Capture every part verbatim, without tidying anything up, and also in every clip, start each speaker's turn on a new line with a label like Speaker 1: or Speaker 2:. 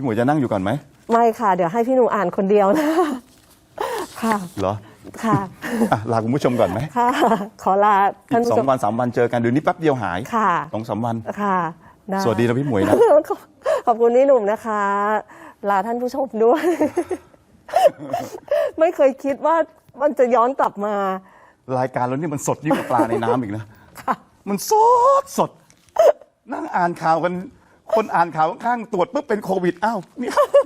Speaker 1: พี่หมวยจะนั่งอยู่ก่อนไหม
Speaker 2: ไม่ค่ะเดี๋ยวให้พี่หนุ่มอ่านคนเดียวนะค่ะ
Speaker 1: เหรอ
Speaker 2: ค่ะ
Speaker 1: ลาคุณผู้ชมก่อนไหม
Speaker 2: ค่ะขอลาท่าน
Speaker 1: ผู้ชมสองวันสามวันเจอกันเดี๋ยวนี้แป๊บเดียวหาย
Speaker 2: ค่ะ
Speaker 1: สองสามวัน
Speaker 2: ค่ะ
Speaker 1: สวัสดีนะพี่หมวยนะ
Speaker 2: ขอบคุณพี่หนุ่มนะคะลาท่านผู้ชมด้วยไม่เคยคิดว่ามันจะย้อนกลับมาร
Speaker 1: ายการเรานี่มันสดยิ่งกว่าปลาในน้ำอีกนะมันสดสดนั่งอ่านข่าวกันคนอ่านข่าวข้างตรวจปุ๊บเป็นโควิดอ้าวนี่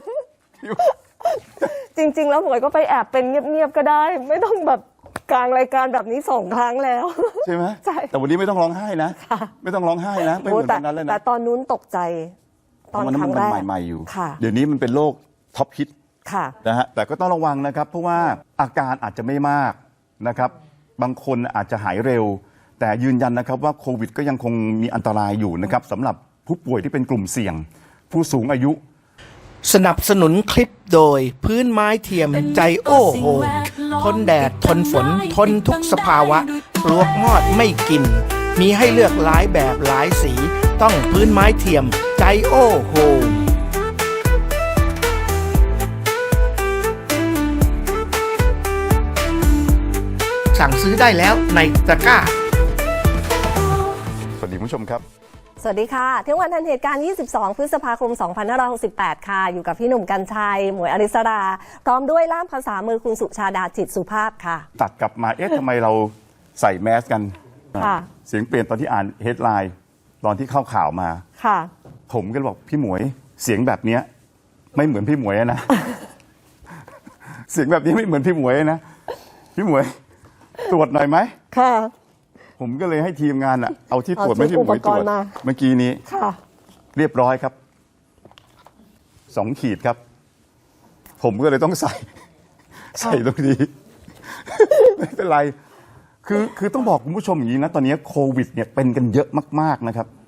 Speaker 2: จริงๆแล้วหมวยก็ไปแอบเป็นเงียบๆก็ได้ไม่ต้องแบบกลางรายการแบบนี้สองครั้งแล้ว
Speaker 1: ใช่ไหม
Speaker 2: ใช่
Speaker 1: แต่วันนี้ไม่ต้องร้องไห้นะไม่ต้องร้องไห้นะไม่เหมือนตอนนั้นเลยนะ
Speaker 2: แต่ตอนนู้นตกใจตอนครั้งแรก
Speaker 1: ใหม่ๆอยู่
Speaker 2: ค่ะ
Speaker 1: เดี๋ยวนี้มันเป็นโรคท็อปฮิต
Speaker 2: ค่ะ
Speaker 1: นะฮะแต่ก็ต้องระวังนะครับเพราะว่าอาการอาจจะไม่มากนะครับบางคนอาจจะหายเร็วแต่ยืนยันนะครับว่าโควิดก็ยังคงมีอันตรายอยู่นะครับสำหรับผู้ป่วยที่เป็นกลุ่มเสี่ยงผู้สูงอายุ
Speaker 3: สนับสนุนคลิปโดยพื้นไม้เทียมใจโอ้โหทนแดดทนฝนทนทุกสภาวะปลวกมอดไม่กินมีให้เลือกหลายแบบหลายสีต้องพื้นไม้เทียมใจโอ้โหสั่งซื้อได้แล้วในตะกร้า
Speaker 1: สวัสดีผู้ชมครับ
Speaker 2: สวัสดีค่ะเที่ยงวันทันเหตุการณ์ยี่สิบสองพฤษภาคมสองพันห้าร้อยหกสิบแปดค่ะอยู่กับพี่หนุ่มกัญชัยหมวยอริสราพร้อมด้วยล่ามภาษามือคุณสุชาดาจิตสุภาพค่ะ
Speaker 1: ตัดกลับมาเอ๊ะทำไมเราใส่แมสกัน
Speaker 2: ค่ะ
Speaker 1: เสียงเปลี่ยนตอนที่อ่านเฮดไลน์ตอนที่เข้าข่าวมา
Speaker 2: ค่ะ
Speaker 1: ผมก็บอกพี่หมวยเสียงแบบเนี้ยไม่เหมือนพี่หมวยนะ เสียงแบบนี้ไม่เหมือนพี่หมวยนะพี่หมวยตรวจหน่อยไหม
Speaker 2: ค่ะ
Speaker 1: ผมก็เลยให้ทีมงานอะเอาที่ตรวจไม่ที่หมวยตรวจเมื่อกี้นี้เรียบร้อยครับสองขีดครับผมก็เลยต้องใส่ใส่ตรงนี้ไม่เป็นไรคือคือต้องบอกคุณผู้ชมอย่างนี้นะตอนนี้โควิดเนี่ยเป็นกันเยอะมากๆนะครับ